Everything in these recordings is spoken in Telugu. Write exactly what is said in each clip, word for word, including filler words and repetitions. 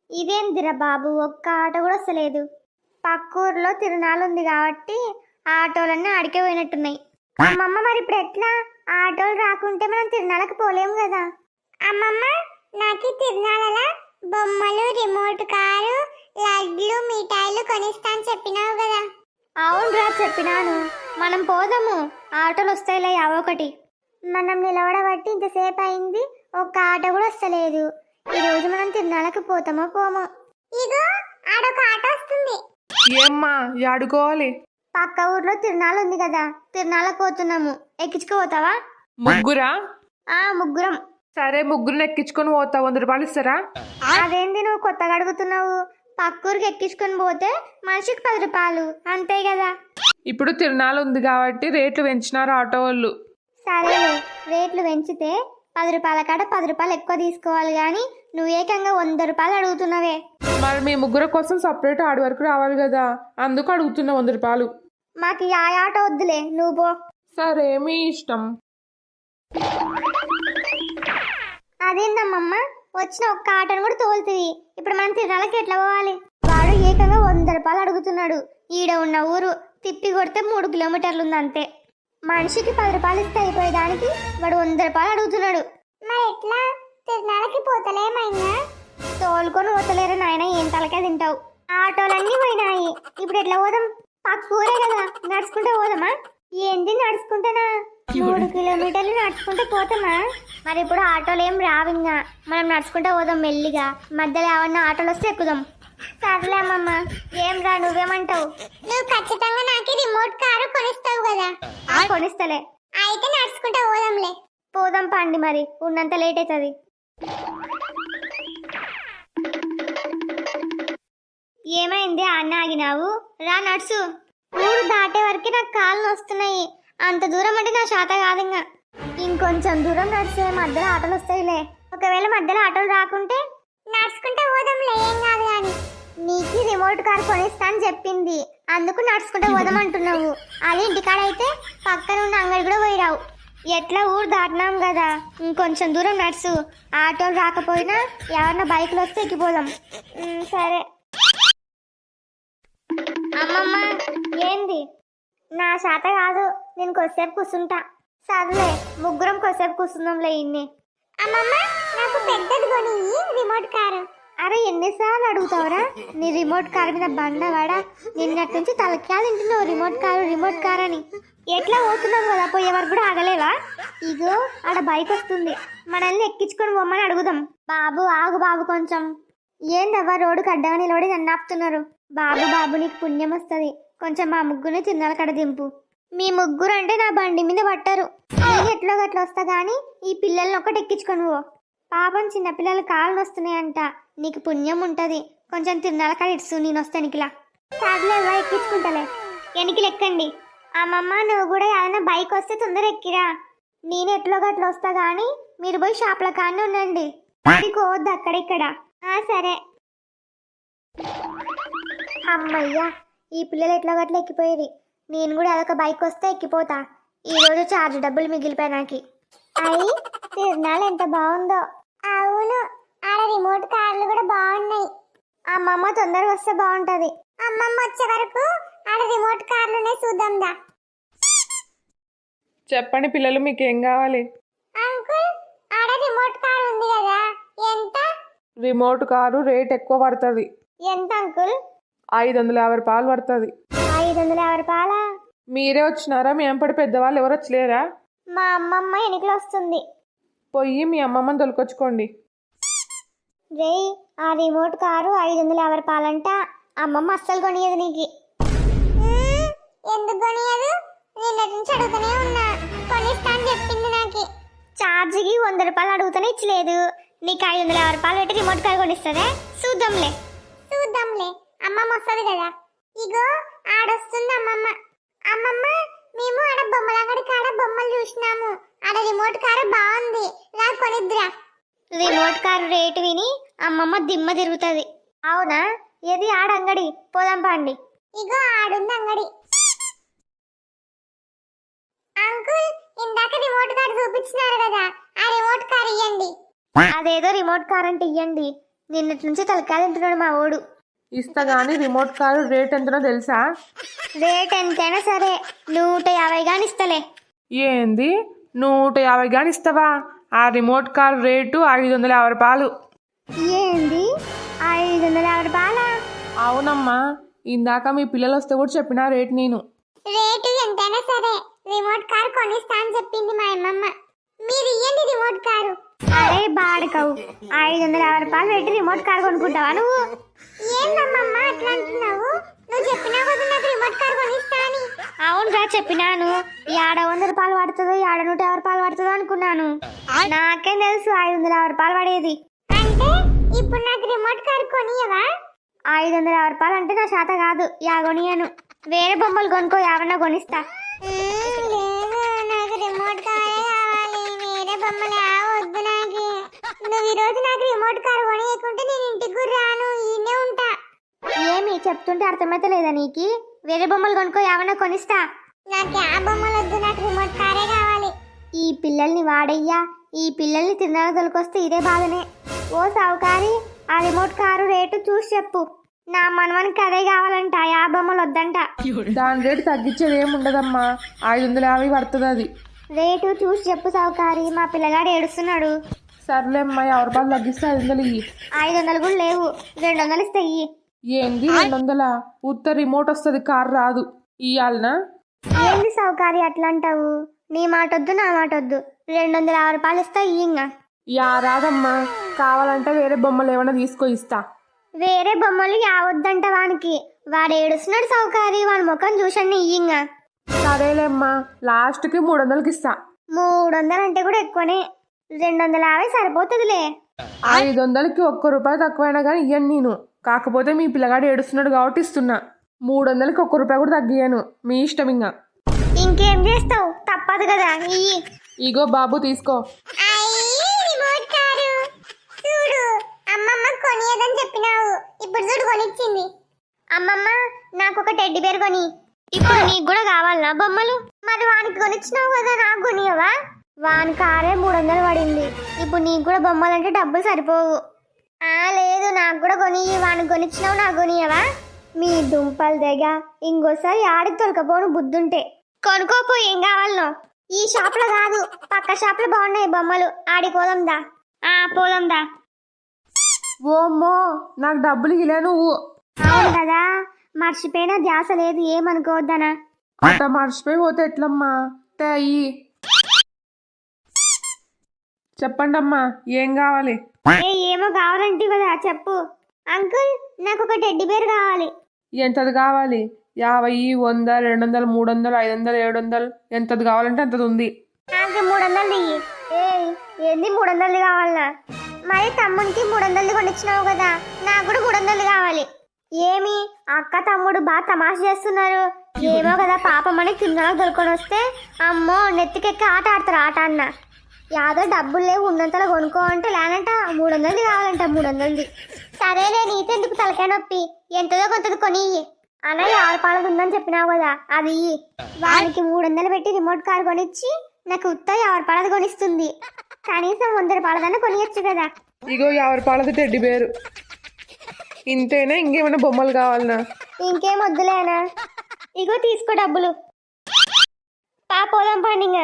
ఇదేందిరా బాబు, ఒక్క ఆటో కూడా వస్తలేదు. పక్క ఊర్లో తిరునాళ్ళు ఉంది కాబట్టి ఆ ఆటోలన్నీ అడికే పోయినట్టున్నాయి. అమ్మమ్మ మరి ఇప్పుడు ఎట్లా? ఆ ఆటోలు రాకుంటే మనం తిరునాళ్ళకి పోలేము కదా. అమ్మమ్మ, నాకు తిరునాళ్ళ బొమ్మలు, రిమోట్ కారు, లడ్లు, మిఠాయిలు కొనిస్తాను చెప్పినావు కదా. అవునురా చెప్పినాను. మనం పోదాము, ఆటోలు వస్తాయిలే అవొకటి. మనం నిలబడబట్టి ఇంతసేపు అయింది, ఒక్క ఆటో కూడా వస్తలేదు. ఈ రోజు మనం తిరునాళ్ళకి పోతామో పోమో. ఇగో ఆడొక ఆటో వస్తుంది. ఏమ్మా ఆడుకోవాలి? పక్క ఊర్లో తిరునాళ్ళు ఉంది కదా, తిరునాళ్ళకి పోతున్నాము. ఎక్కించుకోపోతావా? ముగ్గురా? ఆ ముగ్గురం. సరే, ముగ్గురుని ఎక్కించుకొని పోతా. వంద రూపాయలు ఇస్తారా? అదేంది నువ్వు కొత్తగా అడుగుతున్నావు? పక్కూరికి ఎక్కించుకొని పోతే మనిషికి పది రూపాయలు అంతే కదా. ఇప్పుడు తిరునాళ్ళు ఉంది కాబట్టి రేట్లు పెంచినారు ఆటో వాళ్ళు. సరేలే, రేట్లు పెంచితే పది రూపాయల కాడ పది రూపాయలు ఎక్కువ తీసుకోవాలి కానీ నువ్వు ఏకంగా వంద రూపాయలు అడుగుతున్నావే. మరి మీ ముగ్గురు కోసం సపరేట్ ఆడి వరకు రావాలి కదా, అందుకు అడుగుతున్నా వంద రూపాయలు. మాకు ఆ ఆటో వద్దులే, నువ్వు పో. సరే, మీ ఇష్టం. అదేందమ్మమ్మ, వచ్చిన ఒక్క ఆటోను కూడా తోలుతుంది. ఇప్పుడు మనం తిరునాళ్ళకి ఎట్లా పోవాలి? వాడు ఏకంగా వంద రూపాయలు అడుగుతున్నాడు. ఈడ ఉన్న ఊరు తిప్పి కొడితే మూడు కిలోమీటర్లు ఉంది అంతే. మనిషికి పది రూపాయలు ఇస్తే అయిపోయేదానికి వాడు వంద రూపాయలు అడుగుతున్నాడు. మరి ఎట్లా? తిరునాళ్ళకి పోతలేమైనా? తోలుకొని పోతలేరు నాయన, ఏం తలకే తింటావు. ఆటోలన్నీ పోయినాయి, ఇప్పుడు ఎట్లా పోదాం? పక్క ఊరే కదా, నడుచుకుంటే పోదామా? ఏంది నడుచుకుంటానా? మూడు కిలోమీటర్లు నడుచుకుంటే పోతామా? మరి ఇప్పుడు ఆటోలు ఏం రావింగా, మనం నడుచుకుంటే పోదాం మెల్లిగా. మధ్యలో ఏమన్నా ఆటోలు వస్తే ఎక్కుదాం. సర్లేమమ్మ, ఏం రా, నువ్వేమంటావు? నువ్వు ఖచ్చితంగా నాకు రిమోట్ కారు కొనిస్తావు కదా. కొనిస్తలే. అయితే నడుచుకుంటే పోదాంలే. పోదాం పండి, మరి ఉన్నంత లేట్ అవుతుంది. ఏమైంది అన్న ఆగినావు? రా నడుచు. ఊరు దాటే వరకు నాకు కాళ్ళు వస్తున్నాయి. అంత దూరం అంటే నా శాత కాదు. ఇంకా ఇంకొంచెం దూరం నడిచే మధ్యలో ఆటోలు వస్తాయిలే. ఒకవేళ మధ్యలో ఆటోలు రాకుంటే నడుచుకుంటే పోదాంలే, ఏం కాదు. కానీ నీకు రిమోట్ కార్ కొనిస్తా అని చెప్పింది, అందుకు నడుచుకుంటే పోదాం అంటున్నావు. అది ఇంటికాడైతే పక్కన ఉన్న అంగడి కూడా పోయిరావు. ఎట్లా ఊరు దాటినాం కదా, ఇంకొంచెం దూరం నడుచు. ఆటోలు రాకపోయినా ఎవరన్నా బైక్లు వస్తే ఎక్కిపోదాం. సరే. అమ్మమ్మ, ఏంది? నా శాత కాదు, నేను కొద్దిసేపు కూర్చుంటా. సర్లే, ముగ్గురం కొద్దిసేపు కూర్చుందాంలే. ఇన్ని. అమ్మమ్మ, నాకు పెద్దది కొని రిమోట్ కారు. అరే ఎన్నిసార్లు అడుగుతావురా? నీ రిమోట్ కారు మీద బండవాడా, నిన్నటి నుంచి తలక్యా తింటున్నావు రిమోట్ కారు రిమోట్ కారు అని. ఎట్లా పోతున్నావు కదా, పోయే వరకు కూడా ఆగలేవా? ఇగో ఆడ బైక్ వస్తుంది, మనల్ని ఎక్కించుకొని పోమ్మని అడుగుదాం. బాబు ఆగు బాబు కొంచెం. ఏందవ్వా రోడ్డుకి అడ్డగా నిలబడి నన్ను ఆపుతున్నారు? బాబు బాబు నీకు పుణ్యం వస్తుంది, కొంచెం మా ముగ్గురిని తిన్నాల కడ దింపు. మీ ముగ్గురు అంటే నా బండి మీద పట్టారు. నేను ఎట్లో గట్లా వస్తా కానీ ఈ పిల్లల్ని ఒకటి ఎక్కించుకొని పో. పాపం చిన్నపిల్లలు కాళ్ళు వస్తున్నాయంట, నీకు పుణ్యం ఉంటుంది. కొంచెం తిన్నాల కాడ ఇడుసు, నేను వస్తా ఎనికిలా. సర్లేవా, ఎక్కించుకుంటలే. ఎనికి లెక్కండి. అమ్మమ్మ, నువ్వు కూడా ఏదైనా బైక్ వస్తే తొందర ఎక్కిరా. నేను ఎట్లో గట్లా వస్తా కానీ మీరు పోయి షాప్ల కాడనే ఉండండి, కోవద్దు అక్కడిక్కడ. సరే. అమ్మయ్యా, ఈ పిల్లలు ఎట్లా గట్లా ఎక్కిపోయేది. నేను కూడా అదొక బైక్ వస్తే ఎక్కిపోతా. ఈరోజు ఛార్జ్ డబ్బులు మిగిలిపోయి నాకు. అయ్యి తిరునాళ్ళు ఎంత బాగుందో. అవును, ఆడ రిమోట్ కార్లు కూడా బాగున్నాయి. అమ్మమ్మ తొందరగా వస్తే బాగుంటది. అమ్మమ్మ వచ్చే వరకు ఆడ రిమోట్ కార్లునే చూద్దాందా. చెప్పండి పిల్లలు, మీకు ఏం కావాలి? అంకుల్, ఆడ రిమోట్ కార్ ఉంది కదా, ఎంత? రిమోట్ కారు రేట్ ఎక్కువ పడుతుంది. ఎంత అంకుల్? ఐదు వందల యాభై రూపాయలు పడుతుంది. ఐదు వందల యాభై రూపాయలా? మీరే వచ్చినారా? మీ ఎంపటి పెద్దవాళ్ళు ఎవరు వచ్చలేరా? మా అమ్మమ్మ ఎనికలు వస్తుంది. పోయి మీ అమ్మమ్మని తొలకొచ్చుకోండి. రే, ఆ రిమోట్ కారు ఐదు వందల యాభై రూపాయలంట. అమ్మమ్మ అస్సలు కొనియదు నీకు. ఎందుకు కొనియదు? నిన్నటి నుంచి అడుగుతూనే ఉన్నా, కొనిస్తా అని చెప్పింది నాకు. ఛార్జీకి వంద రూపాయలు అడుగుతూనే ఇచ్చలేదు. నీకు ఐదు వందల యాభై రూపాయలు పెట్టి రిమోట్ కార్ కొనిస్తుందే? చూద్దాంలే చూద్దాంలే, అమ్మమ్మ వస్తుంది కదా. ఇగో ఆడొస్తుంది అమ్మమ్మ. అమ్మమ్మ, మేము ఆడ బొమ్మల అంగడి కాడ బొమ్మలు చూసినాము, ఆడ రిమోట్ కారు బాగుంది, నాకు కొనిద్దురా. రిమోట్ కారు రేటు విని అమ్మమ్మ దిమ్మ తిరుగుతుంది. అవునా? ఏది ఆడ అంగడి? పోదాం పండి. ఇగో ఆడుంది అంగడి. అంకుల్, ఇందాక రిమోట్ కార్ చూపించినారు కదా, ఆ రిమోట్ కార్ ఇయ్యండి. అదేదో రిమోట్ కార్ అంటే ఇయ్యండి, నిన్నటి నుంచి తలకాయ తింటున్నాడు మా ఓడు. ఇస్తా గానీ రిమోట్ కారు రేట్ ఎంతనో తెలుసా? రేట్ ఎంతైనా సరే నూట యాభై గాని ఇస్తలే. ఏంది నూట యాభై గాని ఇస్తావా? ఆ రిమోట్ కార్ రేటు ఐదు వందల యాభై రూపాయలు. ఏంది ఐదు వందల యాభై రూపాయలా? అవునమ్మా, ఇందాక మీ పిల్లలు వస్తే కూడా చెప్పిన రేట్ నేను. రేటు ఎంతైనా సరే రిమోట్ కార్ కొనిస్తా అని చెప్పింది మా అమ్మమ్మ. మీరు ఇయ్యండి రిమోట్ కారు. అరే బాడకవు, ఐదు వందల యాభై రూపాయలు పెట్టి రిమోట్ కార్ కొనుక్కుంటావా నువ్వు? ఏందమ్మమ్మ అట్లా అంటున్నావు? నువ్వు చెప్పినా కదా నాకు రిమోట్ కార్ కొనిస్తా అని. అవునురా చెప్పినాను. ఏడ వంద రూపాయలు పడుతుందో ఏడ నూట యాభై రూపాయలు పడుతుందో అనుకున్నాను. నాకేం తెలుసు ఐదు వందల యాభై రూపాయలు పడేది. అంటే ఇప్పుడు నాకు రిమోట్ కార్ కొనియవా? ఐదు వందల యాభై రూపాయలు అంటే నా శాత కాదు, యా కొనియను. వేరే బొమ్మలు కొనుక్కో, యావన్నా కొనిస్తా. నాకు రిమోట్ కారే కావాలి, వేరే బొమ్మలు వద్దు నాకు. నువ్వు ఈరోజు నాకు రిమోట్ కార్ కొనియకుంటే నేను ఇంటికి కూడా రాను, ఈయనే ఉంటా. ఏమి చెప్తుంటే అర్థమైతే లేదా నీకు? వేరే బొమ్మలు కొనుక్కో, యావన్నా కొనిస్తా. నాకు ఆ బొమ్మలు వద్దు, నాకు రిమోట్ కారే కావాలి. ఈ పిల్లల్ని వాడయ్యా, ఈ పిల్లల్ని తిరునాళ్ళ తొలకొస్తే ఇదే బాధనే. ఓ సావుకారి, ఆ రిమోట్ కారు రేటు చూసి చెప్పు. నా మనవనికి అదే కావాలంట, యా బొమ్మలు వద్దంట. దాని రేటు తగ్గించేది ఏమి ఉండదమ్మా, ఐదు వందల యాభై పడుతుంది అది. రేటు చూసి చెప్పు సావుకారి, మా పిల్లగాడు ఏడుస్తున్నాడు. సర్లేమ్మా, యాభై రూపాయలు తగ్గిస్తే ఐదు వందలు ఇయ్యి. ఐదు వందలు కూడా లేవు, రెండు వందలు ఇస్తే ఇయ్యి. ఏంది రెండు వందల? ఉత్త రిమోట్ వస్తుంది, కార్ రాదు. ఇయ్యాలనా? ఏంది సావుకారి అట్లా అంటావు? నీ మాట వద్దు, నా మాట వద్దు. రెండు వందల యాభై రూపాయలు ఇస్తా ఇయ్యింగా. యా రాదమ్మా, కావాలంటే వేరే బొమ్మలు ఏమైనా తీసుకో ఇస్తా. వేరే బొమ్మలు యావద్దంట వానికి. వాడు ఏడుస్తున్నాడు సౌకారి, వాడి ముఖం చూసండి ఇయ్యింగా. సరేలేమ్మా, లాస్ట్కి మూడు వందలకి ఇస్తా. మూడు వందలు అంటే కూడా ఎక్కువనే, రెండు వందల యాభై సరిపోతుందిలే. ఐదు వందలకి ఒక్క రూపాయి తక్కువైనా కానీ ఇయ్యను నేను. కాకపోతే మీ పిల్లగాడు ఏడుస్తున్నాడు కాబట్టి ఇస్తున్నా. మూడు వందలకి ఒక్క రూపాయి కూడా తగ్గియను, మీ ఇష్టం. ఇంకా ఇంకేం చేస్తావు, తప్పదు కదా ఇయ్యి. ఇగో బాబు తీసుకో. అమ్మమ్మ కొనియదని చెప్పినావు, ఇప్పుడు చూడు కొనిచ్చింది. అమ్మమ్మ నాకు ఒక టెడ్డి బేర్ కొని. ఇప్పుడు నీకు కూడా కావాలనా బొమ్మలు? మరి వానికి కొనిచ్చినావు కదా, నాకు కొనియవా? వాని కారే మూడు వందలు పడింది. ఇప్పుడు నీకు కూడా బొమ్మలు అంటే డబ్బులు సరిపోవు. ఆ లేదు, నాకు కూడా కొని. వానికి కొనిచ్చినావు, నాకు కొనియవా? మీ దుంపలు దగ్గ ఇంకోసారి ఆడికి తొలకపోను బుద్ధుంటే. కొనుక్కోపో, ఏం కావాలనో. ఈ షాప్ లో కాదు, పక్క షాప్ లో బాగున్నాయి బొమ్మలు. ఆడి పోదాందా? ఆ పోదాందా. ఓమ్మో, నాకు డబ్బులు ఇలే నువ్వు. అవును కదా, మర్చిపోయినా ధ్యాస లేదు, ఏమనుకోవద్దనా. అట్లా మర్చిపోయి పోతే ఎట్లమ్మా? అయ్యి చెప్పండి అమ్మా, ఏం కావాలి? ఏ ఏమో కావాలంటే కదా చెప్పు. అంకుల్ నాకు ఒక టెడ్డి బేర్ కావాలి. ఎంతది కావాలి? యాభై, వంద, రెండు వందలు, మూడు వందలు, ఐదు వందలు, ఏడు వందలు, ఎంతది కావాలంటే అంతది ఉంది. నాకు మూడు వందలు దిగి. ఏ ఏంది మూడు వందలది కావాలనా? మరి తమ్మునికి మూడు వందలది కొనిచ్చినావు కదా, నాకు కూడా మూడు వందలు కావాలి. ఏమి అక్క తమ్ముడు బాగా తమాషా చేస్తున్నారు. ఏమో కదా పాపమని కింద దొరుకొని వస్తే అమ్మో నెత్తికెక్కి ఆట ఆడతారు ఆట అన్న. యాదో డబ్బులు లేవు, ఉన్నంతలో కొనుక్కో అంటే లేనంట మూడు వందలది కావాలంట. మూడు వందలది సరేలే, నీతెందుకు తలకాయ నొప్పి, ఎంతదో కొంతది కొని అన్న. యాభై పాలది ఉందని చెప్పినావు కదా, అది వానికి మూడు వందలు పెట్టి రిమోట్ కార్ కొనిచ్చి నాకు ఉత్త యాభై పాలది కొనిస్తుంది. కనీసం వంద రూపాయలదన్నా కొనియచ్చు కదా. ఇగో యాభై రూపాయలది టెడ్డి బేరు. ఇంతేనా, ఇంకేమైనా బొమ్మలు కావాలనా? ఇంకేం వద్దులేనా. ఇగో తీసుకో డబ్బులు. పా పోదాం పండిగా.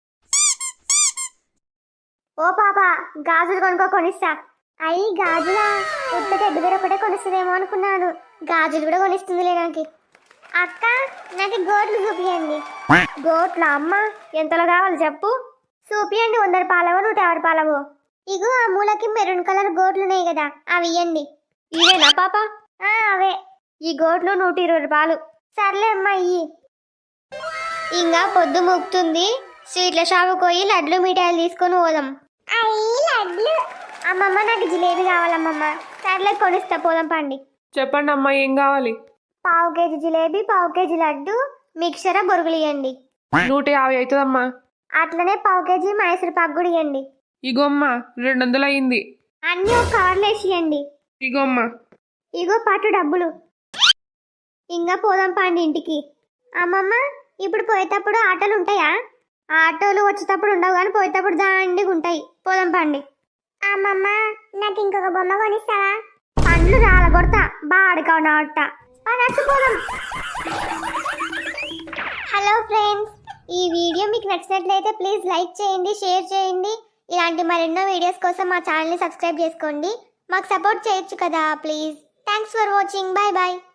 ఓ పాప, గాజులు కొనుక్కో, కొనిస్తా. అయ్యి గాజులా? ఉత్త టెడ్డి బేర్ ఒకటే కొనిస్తుందేమో అనుకున్నాను, గాజులు కూడా కొనిస్తుందిలే నాకు. అక్క నాకు గోట్లు చూపియండి. గోట్ల అమ్మ ఎంతలో కావాలి చెప్పు? చూపియండి, వంద రూపాయలవో నూట యాభై రూపాయలవో. ఇగో ఆ మూలకి మెరూన్ కలర్ గోట్లు ఉన్నాయి కదా, అవి ఇవ్వండి. ఇవేనా పాప? అవే. ఈ గోట్లు నూట ఇరవై రూపాయలు. సర్లే అమ్మ ఇయ్యి. ఇంకా పొద్దు ముక్తుంది, స్వీట్ల షాపుకి పోయి లడ్లు మిఠాయిలు తీసుకొని పోదాం. అయ్యి లడ్లు అమ్మమ్మ, నాకు జిలేబీ కావాలమ్మమ్మ. సర్లే కొనిస్తా, పోదాం పండి. చెప్పండి అమ్మా, ఏం కావాలి? పావు కేజీ జిలేబీ, పావు కేజీ లడ్డు, మిక్చర్, బొరుగులు ఇవ్వండి. నూట యాభై అవుతుందమ్మా. అట్లనే పావు కేజీ మైసూర్ పాకు కూడా ఇవ్వండి. ఇగోమ్మా, రెండు వందలు అయింది. అన్నీ ఒక కవర్లో వేసి ఇవ్వండి. ఇగోమ్మా. ఇగో పట్టు డబ్బులు. ఇంకా పోదాం పండి ఇంటికి. అమ్మమ్మ ఇప్పుడు పోయేటప్పుడు ఆటోలు ఉంటాయా? ఆటోలు వచ్చేటప్పుడు ఉండవు కానీ పోయేటప్పుడు దాండిగా ఉంటాయి. పోదాం పండి. అమ్మమ్మ నాకు ఇంకొక బొమ్మ కొనిస్తావా? పండ్లు రాలగొడతా బాడుకావు నాట నచ్చిపోదాం. హలో ఫ్రెండ్స్, ఈ వీడియో మీకు నచ్చినట్లయితే ప్లీజ్ లైక్ చేయండి, షేర్ చేయండి. ఇలాంటి మరెన్నో వీడియోస్ కోసం మా ఛానల్ని సబ్స్క్రైబ్ చేసుకోండి. మాకు సపోర్ట్ చేయొచ్చు కదా please. Thanks for watching. Bye bye.